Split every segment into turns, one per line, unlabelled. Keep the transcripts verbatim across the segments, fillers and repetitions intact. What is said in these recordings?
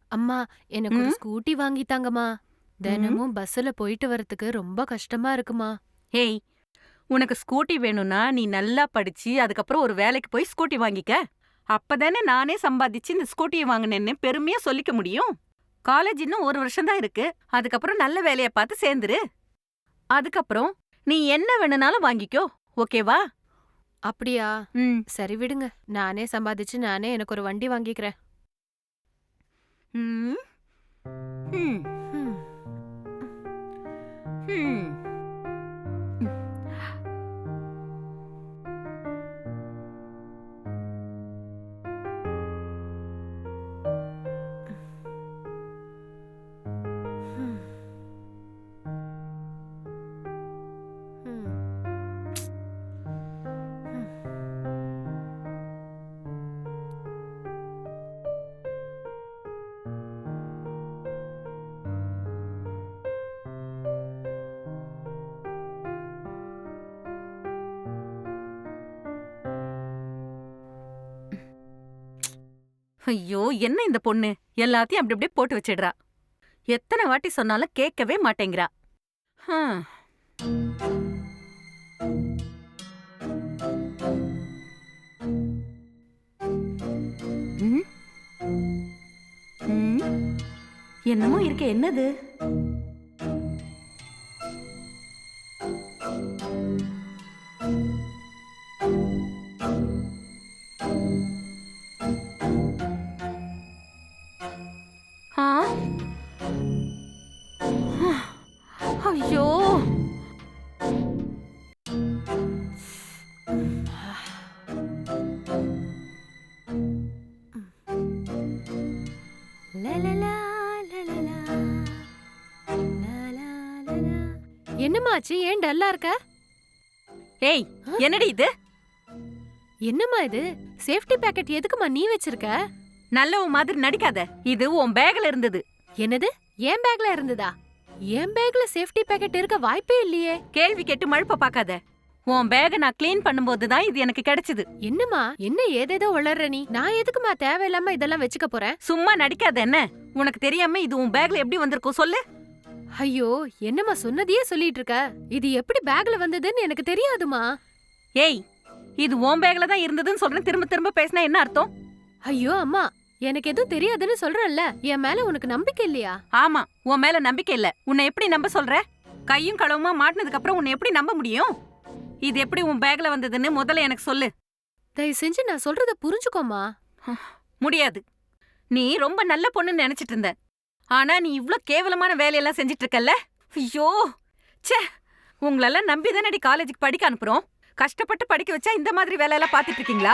அம்மா, எனக்கு ஒரு
ம்
ஸ்கூட்டி வாங்கி தாங்கம்மா.
ம்
தினமும் பஸ்ஸுல போயிட்டு வரதுக்கு ரொம்ப கஷ்டமா இருக்குமா.
ஏய், உனக்கு ஸ்கூட்டி வேணும்னா நீ நல்லா படிச்சு அதுக்கப்புறம் ஒரு வேலைக்கு போய் ஸ்கூட்டி வாங்கிக்க. அப்பதானே நானே சம்பாதிச்சு இந்த ஸ்கூட்டியை வாங்கினேன்னு பெருமையா சொல்லிக்க முடியும். காலேஜ் இன்னும் ஒரு வருஷம் தான் இருக்கு. அதுக்கப்புறம் நல்ல வேலைய பார்த்து சேர்ந்துரு. அதுக்கப்புறம் நீ என்ன வேணும்னாலும் வாங்கிக்கோ. ஓகேவா?
அப்படியா?
ம்
சரி விடுங்க. நானே சம்பாதிச்சு நானே எனக்கு ஒரு வண்டி வாங்கிக்கிறேன்.
ம் ம்
ம்.
ம்
ம். ம்.
ஐயோ, என்ன இந்த பொண்ணு எல்லாத்தையும் அப்படி அப்படியே போட்டு வச்சிடுறா. எத்தனை வாட்டி சொன்னாலும் கேட்கவே மாட்டேங்கிறா. ஹம். ம், ம். என்னமோ இருக்க, என்னது? ஆ? ஐயோ,
லலலா, லலலா, லலலா, லலா. என்னம்மா ஆச்சு? ஏன் டல்லா இருக்க?
ஏய்,
ஆ?
என்னடி இது?
என்னம்மா இது? சேஃப்டி பேக்கெட் எதுக்குமா நீ வச்சிருக்க?
நல்லவ மாதிரி நடிக்காத. இது உன் பேக்ல இருந்தது.
என்னது? என் பேக்ல இருந்ததா? என் பேக்ல சேஃப்டி பேக்கெட் இருக்க வாய்ப்பே இல்லையே.
கேள்வி கேட்டு மழுப்ப பாக்காத. உன் பேக நான் க்ளீன் பண்ணும்போது தான் இது எனக்கு கிடைச்சது.
என்னம்மா, என்ன ஏதேதோ உளர்ற நீ? நான் எதுக்குமா தேவையில்லாம இதெல்லாம் வச்சுக்க போறேன்?
சும்மா நடிக்காத என்ன? உனக்கு தெரியாம இது உன் பேக்ல எப்படி வந்திருக்கும் சொல்லு?
ஐயோ, என்னம்மா சொன்னதையே சொல்லிட்டு இருக்க? இது எப்படி பேக்ல வந்ததுன்னு எனக்கு தெரியாதுமா.
ஏய், இது உன் பேக்ல தான் இருந்ததுன்னு சொல்றேன். திரும்ப திரும்ப பேசினா என்ன அர்த்தம்?
ஐயோ அம்மா, எனக்கு எதுவும் தெரியாதுன்னு சொல்றேன்ல. என் மேல உனக்கு நம்பிக்கை இல்லையா?
ஆமா, உன் மேல நம்பிக்கை இல்ல. உன்னை எப்படி நம்ப சொல்ற? கையும் களவுமா மாட்டினதுக்கு அப்புறம் உன்னை எப்படி நம்ப முடியும்? இது எப்படி உன் பேக்ல வந்ததுன்னு முதல்ல எனக்கு சொல்லு.
தயவு செஞ்சு நான் சொல்றத புரிஞ்சுக்கோமா.
முடியாது. நீ ரொம்ப நல்ல பொண்ணுன்னு நினைச்சிட்டு இருந்த. ஆனா நீ இவ்ளோ கேவலமான வேலையெல்லாம் செஞ்சிட்டு இருக்கல்ல. ஐயோ, ச்சே. உங்களெல்லாம் நம்பி தானடி காலேஜுக்கு படிக்க அனுப்புறோம். கஷ்டப்பட்டு படிக்க வச்சா இந்த மாதிரி வேலையெல்லாம் பார்த்துட்டு இருக்கீங்களா?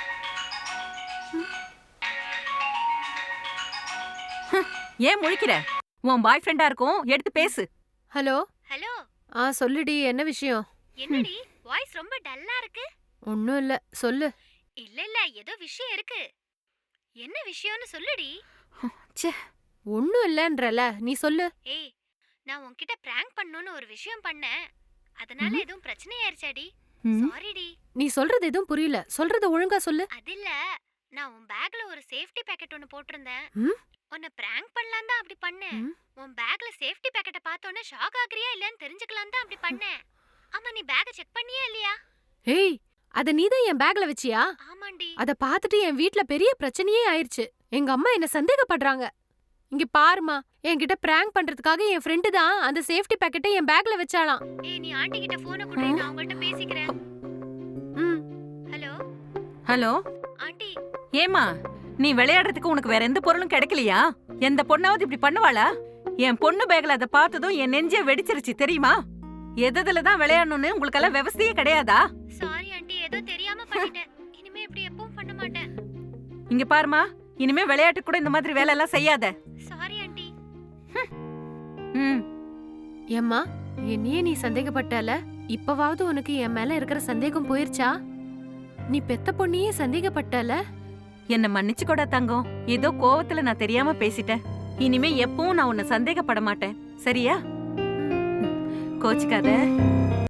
ஏன் முழிக்கிற? உன் பாய் ஃப்ரெண்டா இருக்கும், எடுத்து பேசு.
ஹலோ.
ஹலோ.
ஆ சொல்லுடி, என்ன விஷயம்?
என்னடி வாய்ஸ் ரொம்ப டல்லா இருக்கு?
ஒண்ணும் இல்ல, சொல்லு.
இல்ல இல்ல ஏதோ விஷயம் இருக்கு. என்ன விஷயம்னு சொல்லுடி.
ச்சே.
ஒண்ணும் இல்லன்றல, நீ சொல்லு.
ஏய், நான் உன்கிட்ட பிராங்க் பண்ணனும்னு ஒரு விஷயம் பண்ணேன். அதனால
ம்.
எதுவும் பிரச்சனை ஆயிருச்சாடி?
ம்.
சாரிடி.
நீ சொல்றது எதுவும் புரியல. சொல்றத ஒழுங்கா சொல்லு.
அதில்ல, நான் உன் பேக்ல ஒரு சேஃப்டி பேக்கெட் ஒன்னு போட்டிருந்தேன்.
ம்?
உன்னை பிராங்க் பண்ணலாம் தான் அப்படி பண்ணேன்.
ம்?
உன் பேக்ல சேஃப்டி பேக்கெட்டை பார்த்தோன்னே ஷாக் ஆகுறியா இல்லன்னு தெரிஞ்சுக்கலாம் தான் அப்படி பண்ணேன். ஆமா, நீ பேக்கை செக் பண்ணியா இல்லையா?
ஏய், அத நீதான் என் பேக்ல வச்சியா?
ஆமாண்டி.
அத பார்த்துட்டு என் வீட்ல பெரிய பிரச்சனையே ஆயிருச்சு. எங்க அம்மா என்ன சந்தேகப்படுறாங்க. இங்க பாருமா, என்கிட்ட பிராங்க் பண்றதுக்காக என் ஃப்ரெண்டு தான் அந்த சேஃப்டி பேக்கெட்டை என் பேக்ல வச்சாளாம்.
ஏய், நீ ஆண்டி கிட்ட போனை கொடு, நான் அவங்கள்ட்ட பேசிக்கிறேன்.
ம்.
Hello
hello.
ஆண்டி.
ஏமா, நீ விளையாடுறதுக்கு உனக்கு வேற எந்த பொருளும் கிடைக்கலையா? எந்த பொண்ணாவது இப்படி பண்ணுவாளா? என் பொண்ணு பேக்ல அதை பார்த்ததும் என் நெஞ்சே வெடிச்சிருச்சு தெரியுமா? எதுல தான் விளையாடணும்னு உங்களுக்கெல்லாம் விவசாயே கிடையாதா?
சாரி ஆண்டி, ஏதோ தெரியாம பண்ணிட்டேன். இனிமே இப்படி எப்பவும் பண்ண மாட்டேன்.
இங்க பாருமா, இனிமே விளையாட்டு கூட இந்த மாதிரி வேலை எல்லாம் செய்யாத.
Sorry aunty.
ம்.
ஏம்மா, என்னையே நீ சந்தேகப்பட்டால? இப்பவாவது உனக்கு என் மேல இருக்கிற சந்தேகம் போயிருச்சா? நீ பெத்த பொண்ணையே சந்தேகப்பட்டால?
என்ன மன்னிச்சுக்கோடா தங்கம். ஏதோ கோவத்துல நான் தெரியாம பேசிட்டேன். இனிமே எப்பவும் நான் உன்னை சந்தேகப்பட மாட்டேன், சரியா? கோச்சுக்காத.